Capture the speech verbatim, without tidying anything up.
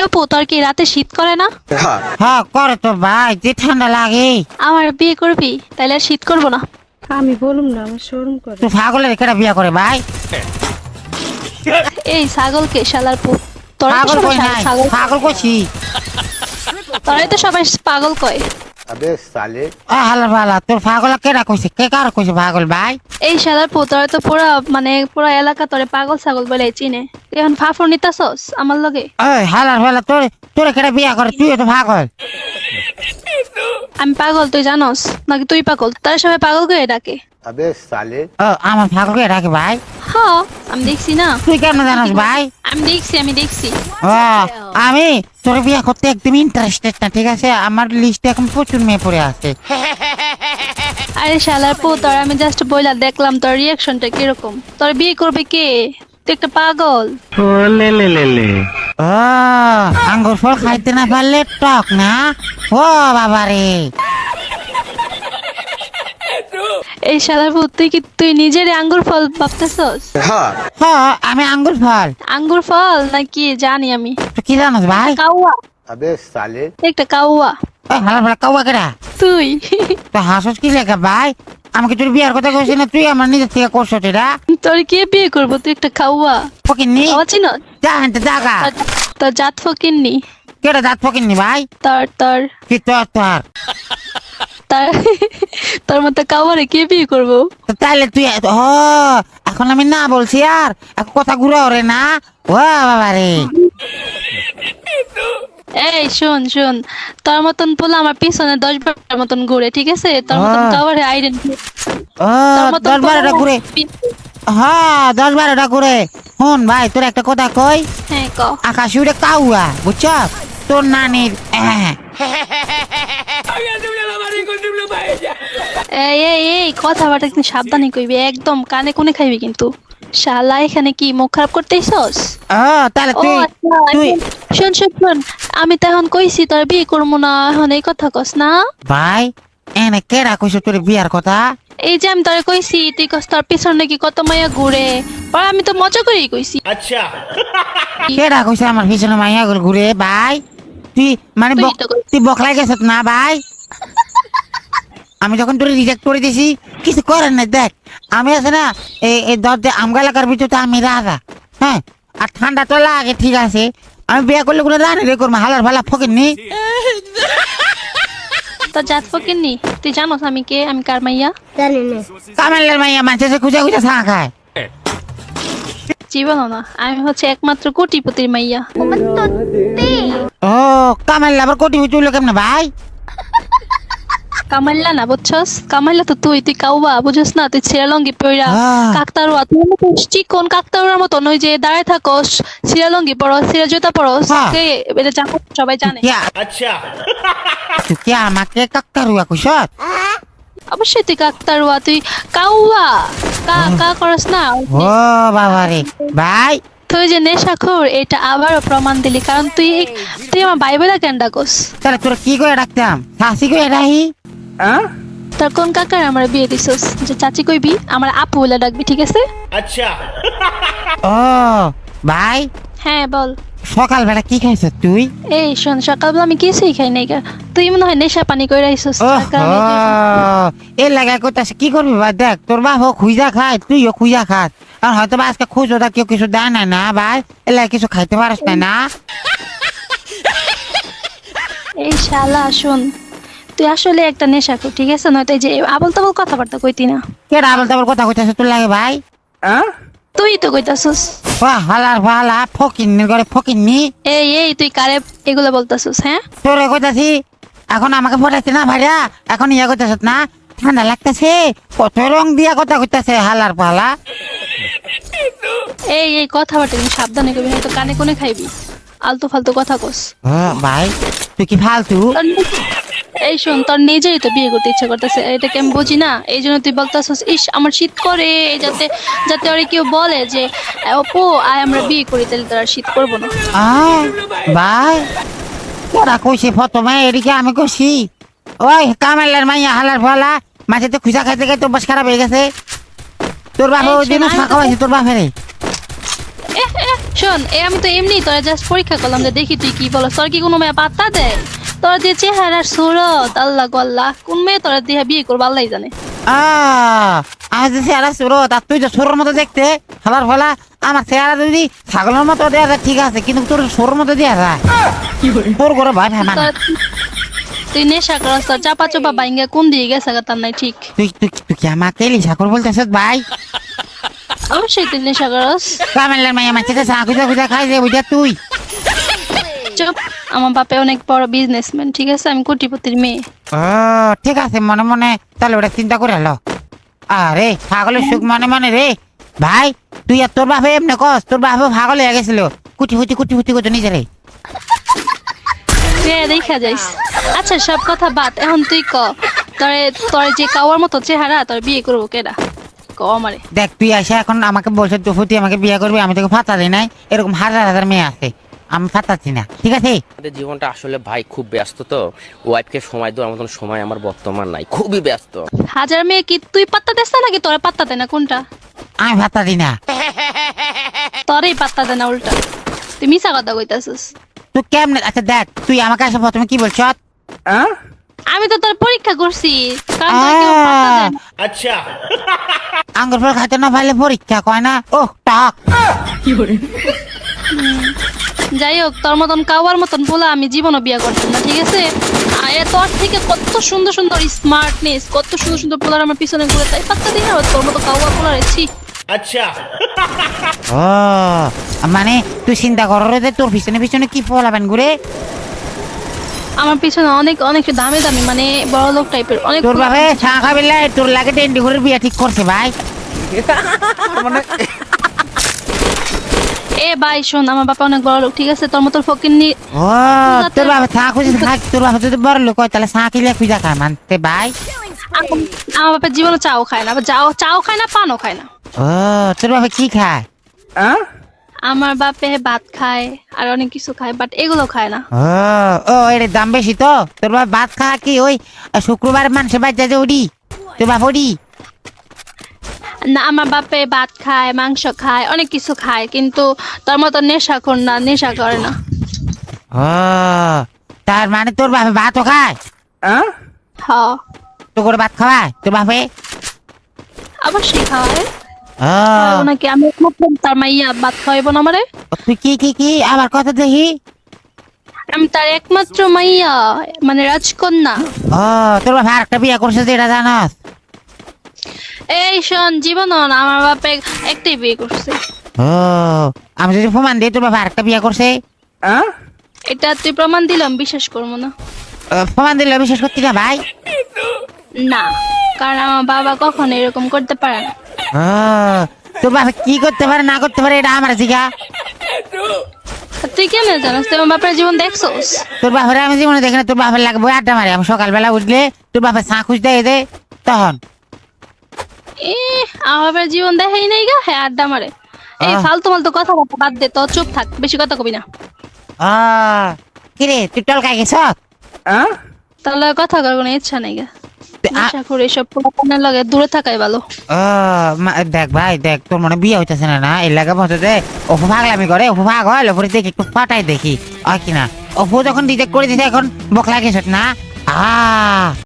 আপু তোর কি রাতে শীত করে না? হ্যাঁ করে তো ভাই, যে ঠান্ডা লাগে। আমার বিয়ে করবি তাইলে আর শীত করবো না। আমি বলুম না, আমার শরম করে। তুই ছাগলের কেটা বিয়া করে ভাই? এই ছাগলকে শালার পুত, তোরা তো পাগল সবাই কই নাই, ছাগল, পাগল কইছি। তোরাই তো সবাই পাগল কয়। अबे साले ও হালা ভালা, তোর পাগল কেটা কইছে? কে কার কইছে পাগল ভাই? এই শালার পুত, তোরা তো পুরা মানে পুরা এলাকা তোরে পাগল ছাগল বলে চিনে। তুই এখন ফাফর নিতাছস আমার লগে? ওই হালার ভালা, তোর তোর কেটা বিয়া করে? তুই তো পাগল। আমি পাগল তুই জানোস নাকি? তুই পাগল, তারা সবাই পাগল করে ডাকে। अबे साले ও আমার পাগল কে ডাকে ভাই? হ্যাঁ আমি দেখছি না, তুই কেমন জানোস ভাই? আমি দেখছি আমি দেখছি ও আমি তোর বিয়া করতে একদম ইন্টারেস্টেড না, ঠিক আছে? আমার লিস্টে এখন প্রচুর মেয়ে পড়ে আছে। আরে শালার পুত, তোর আমি জাস্ট বইলা দেখলাম তোর রিয়াকশনটা কিরকম। তোর বিয়ে করবে কে? তুই একটা পাগল। ও আঙ্গুর ফল খাইতে না পারলে টক না? ও বাবা রে। এই শালার পুত, তুই কি তুই নিজের আঙ্গুর ফল ভাবতেছস? हाँ হ্যাঁ আমি আঙ্গুর ফল। আঙ্গুর ফল নাকি জানি আমি। তুই কি জানোস ভাই? কাউয়া, अबे साले একটা কাউয়া। ওই হালার ভালা কাউয়া কেটা? তুই তো হাসস কি লেখা ভাই? আমাকে তোর বিয়ার কথা কইছিস না, তুই আমার নিজের থেকে করছ এটা। তোর কে বিয়ে করবো? তুই একটা কাউয়া। ফকিন্নি কাউয়া চিনো? যা হানতে জাগা। তোর জাত ফকিননি। কেটা দাঁত ফকিন্নি ভাই? তোর তোর কি তোর তোর তার তোর মতো কাউয়ারে কে বিয়ে করবো? তো তাইলে তুই ও এখন আমি না বলছি আর এখন কথা ঘুরে ওরে না। ও বাবা রে। এই শোন শোন, তোর মতন পোলা আমার পিছনে দশ বারের মতন ঘুরে, ঠিক আছে? তোর মতন আহ। কাউয়ারে আইডেন, ও তোর মতন দশ বারোটা ঘুরে। হ্যাঁ দশ বারোটা ঘুরে। শুন ভাই, তোর একটা কথা কই। হ্যাঁ ক। আকাশ উড়ে কাউয়া, বুঝছ? তোর নানির আহ। এই এই এই কথাবার্তা কিন্তু সাবধানে কইবি, একদম কানে কোনে খাইবি কিন্তু। শালা এখানে কি মুখ খারাপ করতেইছস? ও তাহলে ও তুই আচ্ছা, তুই এখন শোন শোন শোন, আমি তো এখন কইছি তোর বিয়ে করবো না, এখন এই কথা কস না। ভাই এনে কেডা কইছ তোর বিয়ার কথা? এই যে আমি তোরে কইছি, তুই কস তোর পিছনে নাকি কত মাইয়া ঘুরে, আর আমি তো মজা করেই কইছি। কেডা কইছে আমার পিছনে মাইয়া গুলো ঘুরে ভাই? তুই মানে তুই বক- তো কইছিস। তুই বকলাই গেছ না ভাই? আমি যখন তোর রিজেক্ট করে দিছি কিছু করেন না। দেখ আমি আছে না, এই এই দরজা আমগা এলাকার ভিতরে আমি রাজা। হ্যাঁ আর ঠান্ডা তো লাগে, ঠিক আছে? আমি বিয়ে করলে কোনো রানি রে করবো, হালার ভালা ফকিরনি। তোর জাত ফকিননি, তুই জানোস আমি কে, আমি কার মাইয়া? জানি না। কামেলের মাইয়া মানুষের খুঁজা খুঁজা চা খায়। জীবনও না, আমি হচ্ছে একমাত্র কোটিপতির মাইয়া। ও কামেল আবার কোটি চুলো কেমনে ভাই? কামাইল্লা না বুঝছস? কামাইল্লা তো তুই, তুই কাউবা বুঝছস না? তুই ছিরালঙ্গি পইরা আহ। কাকতারুয়া, তুই মতো চিকন কাকতারুয়ার মতন ওই যে দাঁড়ায় থাকস, ছিরালঙ্গি পরস, ছিরা জুতা পরস, হ্যাঁ। কে এটা জানো, সবাই জানে। अच्छा তুই কি আমাকে কাকতারুয়া কইছ? অবশ্যই তুই কাকতারুয়া, তুই কাউয়া, কা কা করস না। ও বাবা রে ভাই। তুই যে নেশাখোর এটা আবারও প্রমাণ দিলি, কারণ তুই তুই আমার বাইবেলা কেন ডাকস? তাহলে তোর কি করে ডাকতাম? শাসি করে রাহি। তোর কোন কাকার আমার বিয়ে দিছস যে চাচি কইবি? আমার আপু বলে ডাকবি, ঠিক আছে? अच्छा ও ভাই হ্যাঁ বল। সকালবেলা কি খাইছ তুই? এই শোন, সকালবেলা আমি কিছুই খাই নাই গা। তুই মনে হয় নেশা পানি করে আইছস, ও তার কারণে তুই- এই লাগায় কইতাছে কি করবি ভাই? দেখ তোর বাপ খুঁজা খায়, তুইও খুঁজা খাস। আর হয়তো বা আজকে খুঁজো তা কেউ কিছু দেয় না না ভাই, এলা কিছু খাইতে পারিস না না। এই শালা শোন, তুই আসলে একটা নেশাখোর, ঠিক আছে? নয়তো এই যে আবল তাবল কথাবার্তা কইতি না। কে আবল তাবল কথা কইতাছে তোর লাগে ভাই? তুই তো কইতাছস। বাহ হালার ভালা ফকিন্নির ঘরে ফকিন্নি। এই এই তুই কারে এগুলো বলতাছস? হ্যাঁ তোরে কইতাছি এখন আমাকে পড়াইছে না ভাইরা, এখন ইয়া কইতাছ না? ঠান্ডা লাগতেছে, কত রং দিয়া কথা কইতাছে হালার পালা। এই এই কথাবার্তা কিন্তু সাবধানে কইবি, হয়তো কানে কোনে খাইবি। আলতু ফালতু কথা কস। ও ভাই তুই কি ফালতু? তোর নি- এই শোন, তোর নিজেই তো বিয়ে করতে ইচ্ছা করতেছে, এটাকে আমি বুঝি না। এই জন্য তুই বলতেছিস ইস আমার শীত করে, যাতে যাতে ওরে কেউ বলে যে অপু আয় আমরা বিয়ে করি, তাহলে তোর আর শীত করবো না। আয় ভাই তোরা কইছি প্রথমে এদিকে আমি কইছি ওই কামেলার মাইয়া হালার ফালা মাঝে তো খুঁজা খাইতে খাইতে অভ্যাস খারাপ হয়ে গেছে। তোর বাবা এই ওই দিন শোন, আমি ফাঁকা তো- হয়েছে তোর বাপেরে। এহ, এহ, শোন এ আমি তো এমনি তোরা জাস্ট পরীক্ষা করলাম যে দেখি তুই কি বলো তোর কি কোনো মেয়ে পাত্তা দেয় তোর যে চেহারার সুরত আল্লাহ গল্লাহ কোন মেয়ে তোরা দিয়ে বিয়ে করবো আল্লাহ জানে আহ, আমি যে চেহারা সুরত আর তুই যে সুরের মতো দেখতে হালার ফলা আমার চেহারা যদি ছাগলের মতো দেওয়া যায় ঠিক আছে কিন্তু তোর সুরের মতো দেওয়া যায় তোর করে ভয় ভাই মানে তোর- তুই নেশা করস তোর চাপা চোপা বাইঙ্গা কোন দিয়ে গেছে গা তার নাই ঠিক তুই তুই তুই কি আমাকে লিসাকর বলতেছিস ভাই অবশ্যই তুই নেশা করস কামেলের মাইয়া মাঝে চা খুঁজা খুঁজা খাই যে বুঝা তুই চুপ আমার বাপে অনেক বড় বিজনেসম্যান ঠিক আছে আমি কোটিপতির মেয়ে ও ঠিক আছে মনে মনে তাহলে ওটা চিন্তা করে হলো আরে ছাগলের সুখ মনে মনে রে ভাই তুই আর তোর বাপে এমনি কস তোর বাপে পাগল হয়ে গেছিল কুটি ফুটি কুটি ফুটি করতো নিজে রে তুই দেখা যাইস আচ্ছা সব কথা বাদ এখন তুই ক তরে তোর যে কাওয়ার মতো চেহারা তোর বিয়ে করবো কেডা ক আমারে দেখ তুই আসে এখন আমাকে বলছে তুই ফুটি আমাকে বিয়ে করবি আমি তোকে ফাতা দিই নাই এরকম হাজার হাজার মেয়ে আছে আমি ফাতাচ্ছি না ঠিক আছে আমাদের জীবনটা আসলে ভাই খুব ব্যস্ত তো ওয়াইফকে সময় দেওয়ার মতন সময় আমার বর্তমান নাই খুবই ব্যস্ত হাজার মেয়ে কি তুই পাত্তা দিস না নাকি তোরা পাত্তা দেয় না কোনটা আমি ফাতা দিই না তোরই পাত্তা দেয় না উল্টা তুই মিছা কথা কইতাছিস তুই কেমনে আচ্ছা দেখ তুই আমাকে আসে প্রথমে কি বলছ আমি তো তোর পরীক্ষা করছি কারণ তোর কেউ পাত্তা দেয় না। আঙ্গুর ফল খাইতে না পারলে পরীক্ষা কয় না ও টক যাই হোক তোর মতন কাওয়ার মতন বলে আমি জীবনও বিয়ে করতাম না ঠিক আছে আর এ তোর থেকে কত সুন্দর সুন্দর স্মার্টনেস কত সুন্দর সুন্দর পোলার আমার পিছনে ঘুরে তাই পাত্তা দিই না তোর মতো কাওয়া পোলার ছি ও মানে তুই চিন্তা কর রে যে তোর পিছনে পিছনে কি ফলাবেন ঘুরে আমার পিছনে অনেক অনেক দামি দামি মানে বড় লোক টাইপের অনেক তোর বাপে চা খাবি লাই, তোর লাগে টেন্ডি করে বিয়া ঠিক করছে ভাই এ ভাই শোন আমার বাবা অনেক বড় লোক ঠিক আছে তোর মতো ফকিন্নি ও তোর বাবা চা খুঁজে থাক তোর বাবা যদি বড় লোক হয় তাহলে চা কিলে খুঁজা খায় মানতে ভাই আম- আমার বাপের জীবনে চাও খায় না আবার যাও চাও খায় না পানও খায় না ও তোর বাবা কি খায় আমার বাপে ভাত খায় আর অনেক কিছু খায় বাট এগুলো খায় না ও ও এর দাম বেশি তো তোর বাবা ভাত খা কি ওই শুক্রবার মানুষের বাচ্চা যে ওডি তোর বাপ ওডি না আমার বাপে ভাত খায় মাংস খায় অনেক কিছু খায় কিন্তু তোর মতো নেশা কর না নেশা করে না ও তার মানে তোর বাপে ভাতও খায় হ তোর করে ভাত খাওয়ায় তোর বাপে অবশ্যই খাওয়ায় ও খাওয়াবো নাকি আমি একমাত্র তার মাইয়া ভাত খাওয়াইবো না আমারে তুই কি কি কি আবার কথা দেখি আমি তার একমাত্র মাইয়া মানে রাজকন্যা ও তোর বাবা আরেকটা বিয়ে করছে যেটা জানাস এই শোন জীবন আমার বাপে একটাই বিয়ে করছে ও আমি যদি প্রমাণ দিই তোর বাবা আরেকটা বিয়ে করছে এটা তুই প্রমাণ দিলাম বিশ্বাস করবো না ও, প্রমাণ দিলে বিশ্বাস করতি না ভাই না কারণ আমার বাবা কখনো এরকম করতে পারে না ও তোর বাবা কি করতে পারে না করতে পারে এটা আমার জিগা আর তুই কেন জানাস তুই আমার বাপের জীবন দেখছোস তোর বাপের আমি জীবনে দেখি না তোর বাপের লাগবে আড্ডা মারি আমি সকালবেলা উঠলে তোর বাপের চা খুঁজ দেয় দে তখন এ আমার বাপের জীবন দেখাই নাই গা হ্যাঁ আড্ডা মারে এই আহ। ফালতু ফালতু কথা বলতে বাদ দে তো চুপ থাক বেশি কথা কবি না ও কিরে তুই টলকাই গেছ তাহলে আর কথা করার কোনো ইচ্ছা নাই গা তে- আ- আশা করি এসব পোলাপানের লগে দূরে থাকাই ভালো ও মা- দেখ ভাই দেখ তোর মনে বিয়ে হইতেছে না না এই লাগে বলতে দে অপু ভাগলামি করে অপু ভাগ হয় ওপরে দেখি একটু পাঠাই দেখি আর কি না অপু যখন রিজেক্ট করে দিছে এখন বকলা গেছত না আ